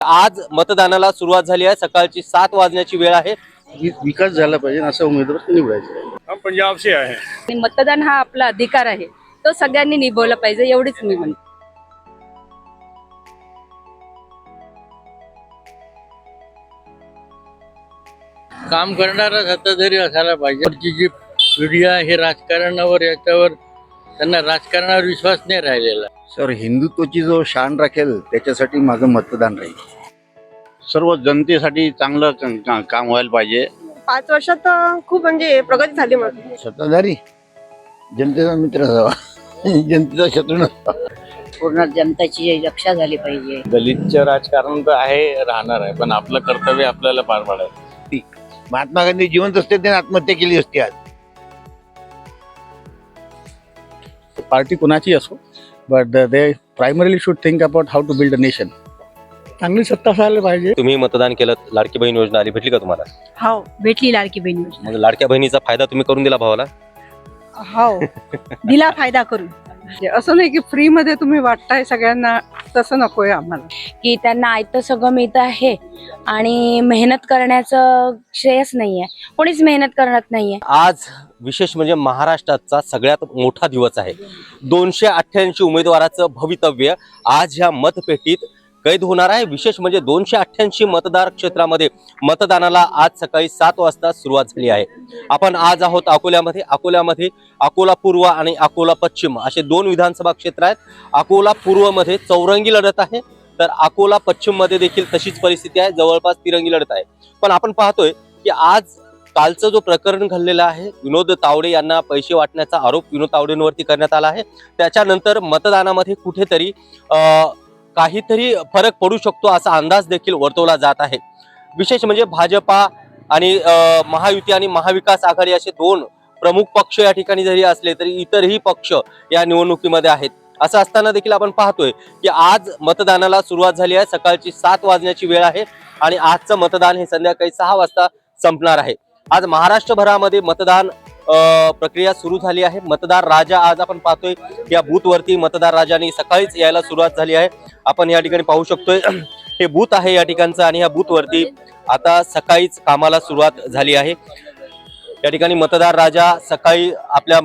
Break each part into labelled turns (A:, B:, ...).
A: आज मतदानाला सुरुवात झाली आहे। सकाळची 7 वाजण्याची वेळ आहे।
B: विकास झाला पाहिजे असं उमेदवार निवडायचं।
C: हम पंजाब से आए हैं।
D: आणि मतदान हा आपला अधिकार आहे, तो सगळ्यांनी निभवला पाहिजे, एवढीच मी म्हणते।
E: काम करणारा सत्ताधारी असायला पाहिजे। आजची जी पिढी आहे हे राजकारणावर याच्यावर त्यांना राजकारणावर विश्वास नाही राहिलेला।
B: सर, हिंदुत्वाची जो शान राखेल त्याच्यासाठी माझं मतदान राहील।
F: सर्व जनतेसाठी चांगलं काम व्हायला पाहिजे।
G: 5 वर्षात खूप म्हणजे प्रगती झाली। मग
B: सत्ताधारी जनतेचा मित्र असावा, जनतेचा शत्रू नसावा।
H: पूर्ण जनतेची रक्षा झाली पाहिजे।
C: दलितचं राजकारण तर आहे, राहणार आहे, पण आपलं कर्तव्य आपल्याला पार पाडायचं।
B: महात्मा गांधी जिवंत असते त्याने आत्महत्या केली असती। आज
C: पार्टी कुणाची असो, but they primarily should think about how to build a nation. चांगली सत्ता असायला पाहिजे।
A: तुम्ही मतदान केलं, लाडकी बहीण योजना आली, भेटली का तुम्हाला?
D: हो, भेटली लाडकी बहीण योजना।
A: मग लाडक्या बहिणीचा फायदा तुम्ही करून दिला भावाला?
D: हो, दिला फायदा करून।
G: असं नाही की फ्री मध्ये तुम्ही वाटताय सगळ्यांना, तसं नकोय आम्हाला।
I: की त्यांना आयतं सगळं मिळतं आहे आणि मेहनत करण्याचं श्रेयच नाहीये, कोणीच मेहनत करत नाहीये।
A: आज विशेष म्हणजे महाराष्ट्राचा सगळ्यात मोठा दिवस आहे। 288 उमेदवाराचं भवितव्य आज ह्या मतपेटीत कैद होणार आहे। विशेष म्हणजे 288 मतदार क्षेत्रामध्ये मतदानाला आज सकाळी 7 वाजता सुरुवात झाली आहे। आपण आज आहोत अकोल्यामध्ये। अकोला पूर्व आणि अकोला पश्चिम असे 2 विधानसभा क्षेत्र आहेत। अकोला पूर्व मध्ये चौरंगी लढत आहे, तर अकोला पश्चिम मध्ये देखील तशीच परिस्थिती आहे, जवळपास तिरंगी लढत आहे। पण आपण पाहतोय की आज कालचं जो प्रकरण घडलेलं आहे, विनोद तावडे यांना पैसे वाटण्याचा आरोप विनोद तावडेंवरती करण्यात आला आहे। त्याच्यानंतर मतदानामध्ये कुठेतरी काहीतरी फरक पडू शकतो असा अंदाज देखील वर्तवला जात आहे। विशेष म्हणजे भाजपा आणि महायुती आणि महाविकास आघाडी असे 2 प्रमुख पक्ष या ठिकाणी जरी असले तरी इतरही पक्ष या निवडणुकीमध्ये आहेत। असं असताना देखील आपण पाहतोय की आज मतदानाला सुरुवात झाली आहे। सकाळची 7 वाजण्याची वेळ आहे आणि आजचं मतदान हे संध्याकाळी 6 वाजता संपणार आहे। आज महाराष्ट्रभरामध्ये मतदान प्रक्रिया सुरू झाली आहे। मतदार राजा आज आपण पाहतोय या बूथवरती मतदार राजाने सकाळीच यायला सुरुवात झाली आहे। आपण या ठिकाणी पाहू शकतोय हे बूथ आहे या ठिकाणचं, आणि या बूथवरती आता सकाळीच कामाला सुरुवात झाली आहे। या ठिकाणी मतदार राजा सकाळी आपल्या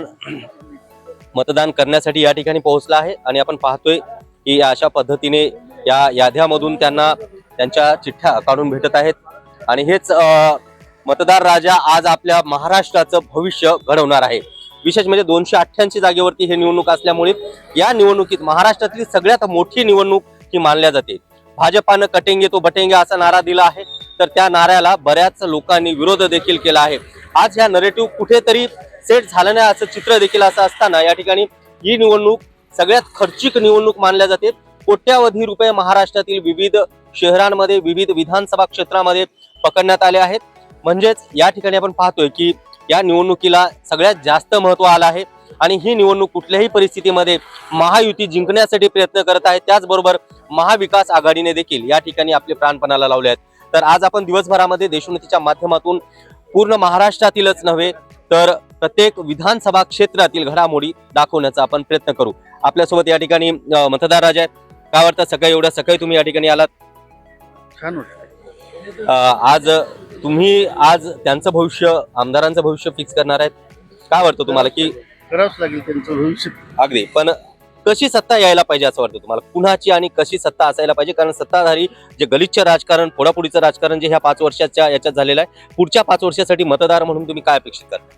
A: मतदान करण्यासाठी या ठिकाणी पोहोचला आहे आणि आपण पाहतोय की अशा पद्धतीने या याद्यामधून त्यांना त्यांच्या चिठ्ठ्या काढून भेटत आहेत। आणि हेच मतदार राजा आज आपल्या महाराष्ट्राचं भविष्य घडवणार आहे। विशेष म्हणजे 288 जागेवरती हे निवडणूक असल्यामुळे या निवडणुकीत महाराष्ट्रातली सगळ्यात मोठी निवडणूक ही मानल्या जाते। भाजपानं कटेंगे तो बटेंगे असा नारा दिला आहे, तर त्या नाऱ्याला बऱ्याच लोकांनी विरोध देखील केला आहे। आज ह्या नरेटिव्ह कुठेतरी सेट झालं नाही असं चित्र देखील असं असताना या ठिकाणी ही निवडणूक सगळ्यात खर्चिक निवडणूक मानल्या जाते। कोट्यावधी रुपये महाराष्ट्रातील विविध शहरांमध्ये विविध विधानसभा क्षेत्रामध्ये पकडण्यात आले आहेत। म्हणजेच या ठिकाणी आपण पाहतोय की या निवडणुकीला सगळ्यात जास्त महत्व आलं आहे आणि ही निवडणूक कुठल्याही परिस्थितीमध्ये महायुती जिंकण्यासाठी प्रयत्न करत आहे। त्याचबरोबर महाविकास आघाडीने देखील या ठिकाणी आपले प्राणपणाला लावले आहेत। तर आज आपण दिवसभरामध्ये देशोन्नतीच्या माध्यमातून पूर्ण महाराष्ट्रातीलच नव्हे तर प्रत्येक विधानसभा क्षेत्रातील घडामोडी दाखवण्याचा आपण प्रयत्न करू। आपल्यासोबत या ठिकाणी मतदार राजा आहेत। काय वाटतं, सकाळी एवढ्या सकाळी तुम्ही या ठिकाणी आलात?
B: छान वाटतं।
A: आज तुम्ही त्यांचं भविष्य, आमदारांचं भविष्य फिक्स करणार आहेत। काय वाटतं तुम्हाला की
B: करावंच लागेल त्यांचं भविष्य?
A: अगदी, पण कशी सत्ता यायला पाहिजे असं वाटतं तुम्हाला? कुणाची आणि कशी सत्ता असायला पाहिजे? कारण सत्ताधारी जे गलिच्छ राजकारण, फोडाफोडीचं राजकारण जे ह्या 5 वर्षाच्या याच्यात झालेलं आहे, पुढच्या 5 वर्षासाठी मतदार म्हणून तुम्ही काय अपेक्षित करता?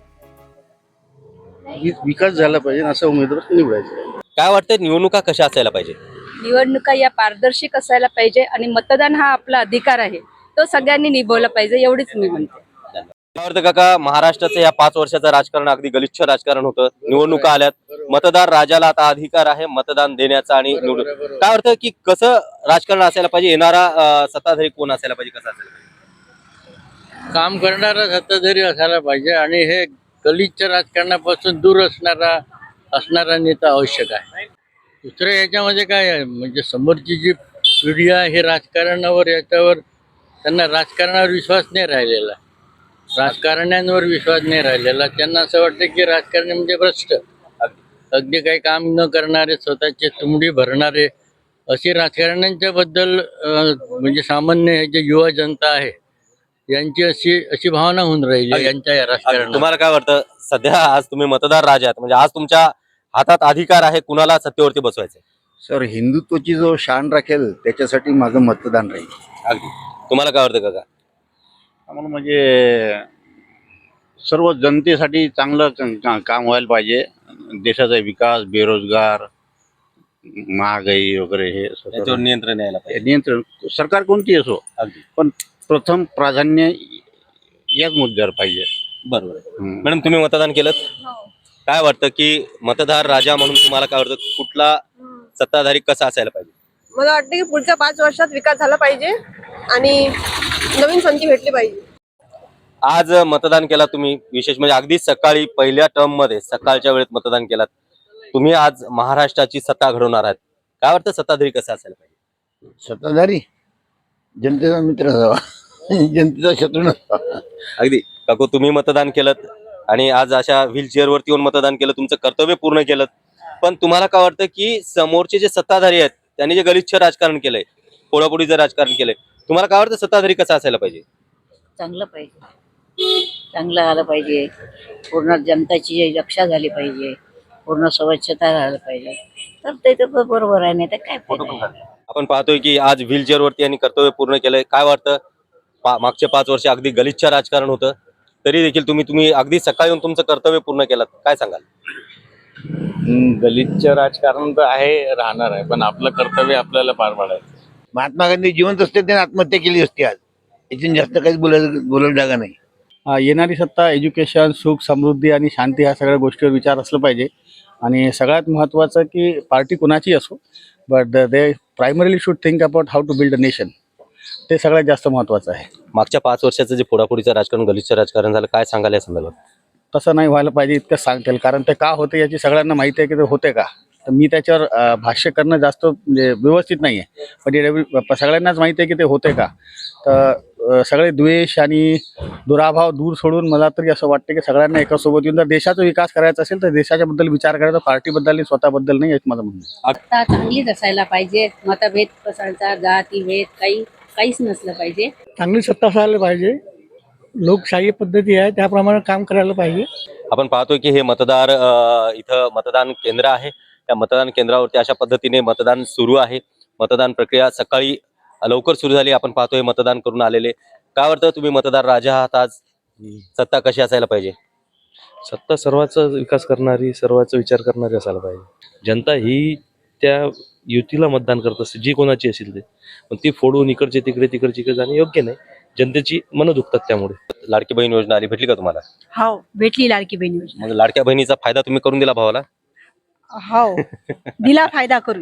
B: विकास झाला पाहिजे असं उमेदवार निवडायचं।
A: काय वाटतं, निवडणुका कशा असायला पाहिजे?
D: निवडणुका या पारदर्शक असायला पाहिजे आणि मतदान हा आपला अधिकार आहे, तो सगळ्यांनी निभवला पाहिजे, एवढीच मी म्हणते।
A: काय वाटतं काका, महाराष्ट्राचं या 5 वर्षाचं राजकारण अगदी गलिच्छ राजकारण होतं, निवडणुका आल्यात, मतदार राजाला आता अधिकार आहे मतदान देण्याचा आणि निवडून, काय वाटतं की कसं राजकारण असायला पाहिजे? येणारा सत्ताधारी कोण असायला पाहिजे, कसं असायला पाहिजे?
E: काम करणारा सत्ताधारी असायला पाहिजे आणि हे गलिच्छ राजकारणापासून दूर असणारा नेता आवश्यक आहे। दुसरं याच्यामध्ये काय आहे, म्हणजे समोरची जी पिढी आहे हे राजकारणावर याच्यावर त्यांना राजकारणावर विश्वास नाही राहिलेला, राजकारण्यांवर विश्वास नाही राहिलेला। त्यांना असं वाटतं की राजकारणी म्हणजे भ्रष्ट, अगदी काही काम न करणारे, स्वतःचे तुंबडी भरणारे अशी राजकारण्यांच्या बद्दल म्हणजे सामान्य हे जे युवा जनता आहे यांची अशी भावना होऊन राहिली यांच्या या राजकारणात.
A: तुम्हाला काय वाटतं सध्या आज तुम्ही मतदार राजा आहात म्हणजे आज तुमच्या हातात अधिकार आहे कुणाला सत्तेवरती बसवायचं
C: सर हिंदुत्वाची जो शान राखेल त्याच्यासाठी माझं मतदान राहील.
A: अगदी तुम्हाला काय वाटतं काका
F: आम्हाला म्हणजे सर्व जनतेसाठी चांगलं काम व्हायला पाहिजे. देशाचा विकास, बेरोजगार, महागाई वगैरे हे
A: याच्यावर
F: सर्व
A: नियंत्रण यायला पाहिजे
F: नियंत्रण सरकार कोणती असो,
A: अगदी
F: पण प्रथम प्राधान्य याच मुद्द्यावर पाहिजे.
A: बरोबर आहे.
F: हम्म.
A: मॅडम तुम्ही मतदान केलं काय वाटतं की मतदार राजा म्हणून तुम्हाला काय वाटतं कुठला सत्ताधारी कसा असायला पाहिजे?
J: मला वाटतं की पुढच्या 5 वर्षात विकास झाला पाहिजे आणि नवीन संधी भेटली पाहिजे.
A: आज मतदान केला तुम्ही विशेष म्हणजे अगदी सकाळी पहिल्या टर्म मध्ये सकाळच्या वेळेत मतदान केलात तुम्ही. आज महाराष्ट्राची सत्ता घडवणार आहात काय वाटतं सत्ताधारी कसा असायला पाहिजे?
B: सत्ताधारी जनतेचा मित्र असावा, जनतेचा शत्रू नसावा.
A: अगदी काकू तुम्ही मतदान केलं आणि आज अशा व्हीलचेअर वरती येऊन मतदान केलं तुमचं कर्तव्य पूर्ण केलं पण तुम्हाला काय वाटतं की समोरचे जे सत्ताधारी आहेत त्यांनी जे गलिच्छ राजकारण केलंय फोडाफोडीचं राजकारण केलंय तुम्हाला काय वाटतं सत्ताधारी कसा असायला पाहिजे?
H: चांगलं पाहिजे, चांगलं आलं पाहिजे. पूर्ण जनताची रक्षा झाली पाहिजे, पूर्ण स्वच्छता झाली पाहिजे, तर ते तर बरोबर आहे. नाही तर काय फायदा आहे?
A: आपण पाहतोय की आज व्हीलचेअर वरती यांनी कर्तव्य पूर्ण केलंय काय वाटतं मागचे 5 वर्ष अगदी गलिच्छ राजकारण होतं तरी देखील तुम्ही अगदी सकाळी येऊन तुमचं कर्तव्य पूर्ण केलं काय सांगाल?
C: गलिच्छ राजकारण तर आहे, राहणार आहे, पण आपलं कर्तव्य आपल्याला पार पाडायचं.
B: महात्मा गांधी जिवंत असते त्याने आत्महत्या केली असती. आज यातून जास्त काहीच बोलायला जागा नाही.
C: येणारी सत्ता एज्युकेशन, सुख, समृद्धी आणि शांती ह्या सगळ्या गोष्टीवर विचार असलं पाहिजे. आणि सगळ्यात महत्त्वाचं की पार्टी कुणाची असो but they primarily should think about how to build a nation. ते सगळ्यात जास्त महत्त्वाचं आहे.
A: मागच्या 5 वर्षाचं जे फोडाफोडीचं राजकारण गलिच्छ राजकारण झालं काय सांगाल या संदर्भात?
C: तसं नाही व्हायला पाहिजे इतकं सांगता येईल, कारण ते का होते याची सगळ्यांना माहिती आहे की ते होते का. तर मी त्याच्यावर भाष्य करणं जास्त म्हणजे व्यवस्थित नाही आहे, पण सगळ्यांनाच माहिती आहे की ते होते का. तर सगळे द्वेष आणि दुराभाव दूर सोडून मला तरी असं वाटतं की सगळ्यांना एकासोबत येऊन जर देशाचा विकास करायचा असेल तर देशाच्याबद्दल विचार करायचा, पार्टीबद्दल आणि स्वतःबद्दल नाही, याचं माझं म्हणणं आहे.
H: सत्ता चांगलीच असायला पाहिजे. मतभेद कसायचा, जातीभेद काहीच नसलं पाहिजे.
G: चांगली सत्ता असायला पाहिजे, लोकशाही पद्धती आहे त्याप्रमाणे काम करायला पाहिजे.
A: आपण पाहतोय की हे मतदार इथं मतदान केंद्र आहे त्या मतदान केंद्रावरती अशा पद्धतीने मतदान सुरू आहे. मतदान प्रक्रिया सकाळी लवकर सुरू झाली. आपण पाहतोय मतदान करून आलेले काय वाटतं तुम्ही मतदार राजा आहात आज सत्ता कशी असायला पाहिजे?
K: सत्ता सर्वांचा विकास करणारी, सर्वांचा विचार करणारी असायला पाहिजे. जनता ही त्या युतीला मतदान करत असते जी कोणाची असेल ते, पण ती फोडून इकडचे तिकडे तिकडचे इकडे जाणे योग्य नाही. जनतेची मनं दुखतात त्यामुळे.
A: लाडकी बहीण योजना आली भेटली का तुम्हाला?
D: हो भेटली लाडकी बहीण योजना.
A: मग लाडक्या बहिणीचा फायदा तुम्ही करून दिला भावाला?
D: हो दिला फायदा करून.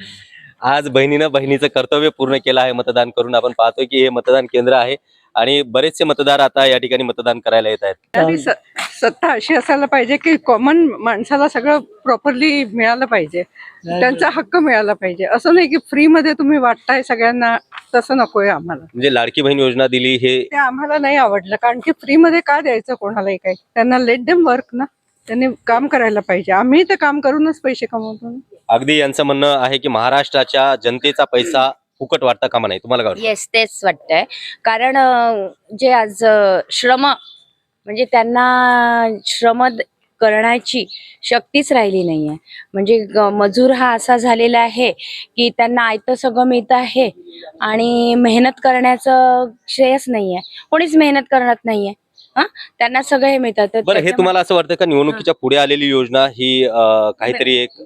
A: आज बहिणीचं कर्तव्य पूर्ण केलं आहे मतदान करून. आपण पाहतोय की हे मतदान केंद्र आहे आणि बरेचसे मतदार आता या ठिकाणी मतदान करायला येत आहेत.
G: आणि सत्ता अशी असायला पाहिजे की कॉमन माणसाला सगळं प्रॉपरली मिळालं पाहिजे, त्यांचा हक्क मिळाला पाहिजे. असं नाही की फ्री मध्ये तुम्ही वाटताय सगळ्यांना, तसं नकोय आम्हाला.
A: म्हणजे लाडकी बहीण योजना दिली हे
G: ते आम्हाला नाही आवडलं, कारण की फ्री मध्ये का द्यायचं कोणालाही काही. त्यांना लेट देम वर्क ना, त्यांनी काम करायला पाहिजे. आम्ही ते काम करूनच पैसे कमवतो.
A: अगदी यांचं म्हणणं आहे की महाराष्ट्राच्या जनतेचा पैसा फुकट वाटता कामा नाही. तुम्हाला काय वाटतं?
I: येस तेच वाटतंय. कारण जे आज श्रम म्हणजे त्यांना श्रम करण्याची शक्तीच राहिली नाहीये. म्हणजे मजूर हा असा झालेला आहे की त्यांना आयतं सगळं मिळतं आहे आणि मेहनत करण्याचं श्रेयच नाहीये. कोणीच मेहनत करत नाहीये. त्यांना सगळं हे मिळतं. तर
A: बरं हे तुम्हाला असं वाटतं का निवडणुकीच्या पुढे आलेली योजना ही काहीतरी एक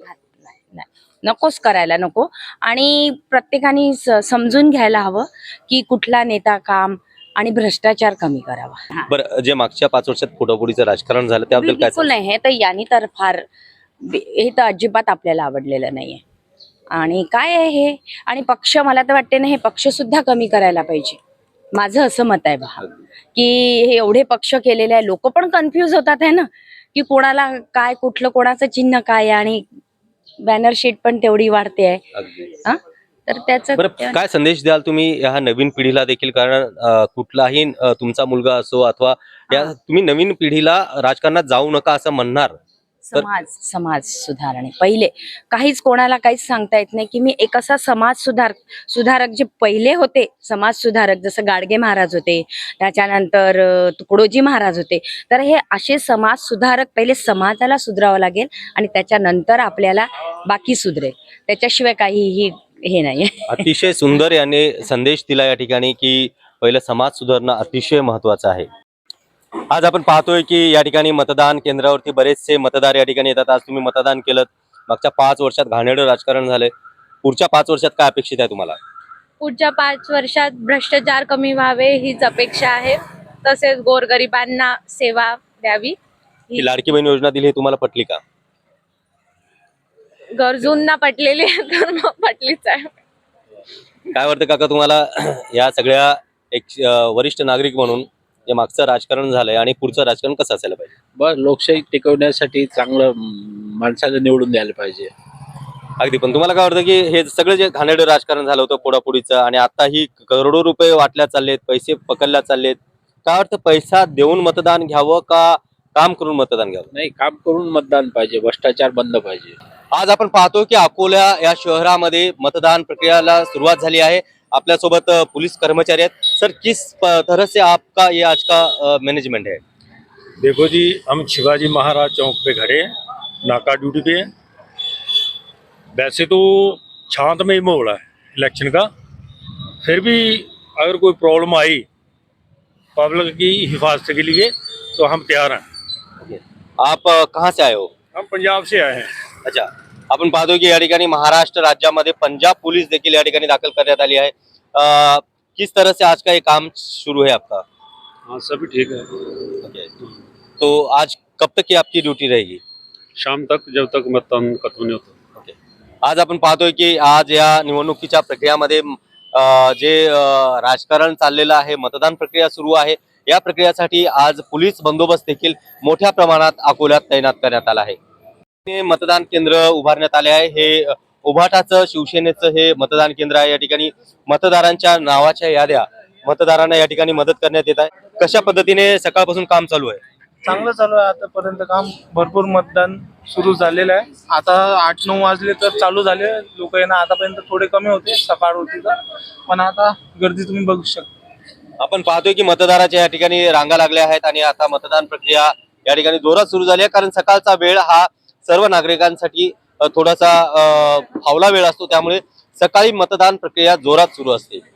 I: नकोच करायला नको. आणि प्रत्येकाने समजून घ्यायला हवं की कुठला नेता काम आणि भ्रष्टाचार कमी करावा.
A: बरं जे मागच्या 5 वर्षात फोडाफोडीचं राजकारण झालं त्याबद्दल काय
I: बिलकुल नाही. हे तर यांनी तर फार हे तर अजिबात आपल्याला आवडलेलं नाहीये. आणि काय आहे हे, आणि पक्ष मला तर वाटते ना हे पक्ष सुद्धा कमी करायला पाहिजे. माझं असं मत आहे बा की हे एवढे पक्ष केलेले आहे, लोक पण कन्फ्यूज होतात आहे ना की कोणाला काय, कुठलं कोणाचं चिन्ह काय, आणि बॅनर शीट पण तेवढी वाढते आहे. तर त्याचं
A: बरं काय संदेश द्याल तुम्ही ह्या नवीन पिढीला देखील? कारण कुठलाही तुमचा मुलगा असो अथवा या तुम्ही नवीन पिढीला राजकारणात जाऊ नका असं म्हणणार
I: समाज सुधारणे पहिले. काहीच कोणाला काहीच सांगता येत नाही की मी एक असा सुधारक जे पहिले होते समाज सुधारक, जसं गाडगे महाराज होते, त्याच्यानंतर तुकडोजी महाराज होते. तर हे असे समाज सुधारक पहिले समाजाला सुधरावं लागेल आणि त्याच्यानंतर आपल्याला बाकी सुधरेल. त्याच्याशिवाय काहीही हे नाही.
A: अतिशय सुंदर याने संदेश दिला या ठिकाणी की पहिलं समाज सुधारणं अतिशय महत्वाचं आहे. आज आपण पाहतोय की या ठिकाणी मतदान केंद्रावरती बरेचसे मतदार या ठिकाणी येतात. आज तुम्ही मतदान केलं, मागच्या 5 वर्षात घाणेरडं राजकारण झालंय. पुढच्या 5 वर्षात काय अपेक्षित आहे तुम्हाला?
D: पुढच्या 5 वर्षात भ्रष्टाचार कमी व्हावे हीच अपेक्षा आहे. तसेच गोरगरिबांना सेवा द्यावी.
A: ही लाडकी बहीण योजना दिली, हे तुम्हाला पटली का?
D: गरजूंना पटलेली आहे तर मग पटलीच आहे.
A: काय वाटतं काका तुम्हाला या सगळ्या एक वरिष्ठ नागरिक म्हणून जे मागचं राजकारण झालंय आणि पुढचं राजकारण कसं असायला पाहिजे?
E: बस लोकशाही टिकवण्यासाठी चांगलं माणसाला निवडून द्यायला पाहिजे.
A: अगदी. पण तुम्हाला काय वाटतं की हे सगळं जे घाणेरडं राजकारण झालं होतं पोडापोडीचं आणि आता ही करोडो रुपये वाटल्या चाललेत, पैसे पकडल्या चाललेत, काय वाटतं पैसा देऊन मतदान घ्यावं का काम करून मतदान घ्यावं?
E: नाही, काम करून मतदान पाहिजे, भ्रष्टाचार बंद पाहिजे.
A: आज आपण पाहतो की अकोला या शहरामध्ये मतदान प्रक्रियाला सुरुवात झाली आहे. आपल्यासोबत पोलीस कर्मचारी आहेत. सर, किस तरह से आपका ये आज का मैनेजमेंट है?
L: देखो जी, हम शिवाजी महाराज चौक पे खड़े हैं, नाका ड्यूटी पे हैं। वैसे तो शांतमय माहौल है इलेक्शन का, फिर भी अगर कोई प्रॉब्लम आई पब्लिक की हिफाजत के लिए तो हम तैयार हैं।
A: आप कहाँ से आए हो?
L: हम पंजाब से आए हैं।
A: अच्छा. आपण पाहतो की या ठिकाणी महाराष्ट्र राज्यामध्ये पंजाब पुलिस देखील या ठिकाणी दाखल करण्यात आली आहे. किस तरह से आज का ये काम शुरू है आपका?
L: हाँ, सभी ठीक है।
A: ओके. तो आज कब तक की आपकी ड्यूटी रहेगी?
L: शाम तक, जब तक मतदान खत्म नहीं होता।
A: ओके. आज आपण पाहतोय की आज या निवडणुकीच्या प्रक्रियामध्ये जे राजकारण चाललेलं आहे, मतदान प्रक्रिया सुरू आहे. या प्रक्रियासाठी आज पोलीस बंदोबस्त देखील मोठ्या प्रमाणात अकोल्यात तैनात करण्यात आला आहे. मतदान केंद्र उभारण्यात आले आहे. हे उभाटाचं शिवसेनेचं हे मतदान केंद्र आहे. या ठिकाणी मतदारांच्या नावाच्या याद्या मतदारांना या ठिकाणी मदत करण्यात येत आहे. कशा पद्धतीने सकाळपासून काम चालू आहे?
M: चांगलं चालू आहे. आतापर्यंत काम भरपूर मतदान सुरू झालेलं आहे. आता 8-9 वाजले तर चालू झाले. लोक येणं आतापर्यंत थोडे कमी होते, सकाळ होती तर, पण आता गर्दी तुम्ही बघू शकता.
A: आपण पाहतोय की मतदाराच्या या ठिकाणी रांगा लागल्या आहेत आणि आता मतदान प्रक्रिया या ठिकाणी जोरात सुरू झाली आहे. कारण सकाळचा वेळ हा सर्व नागरिकांसाठी थोडासा फावला वेळ असतो, त्यामुळे सकाळी मतदान प्रक्रिया जोरात सुरू असते.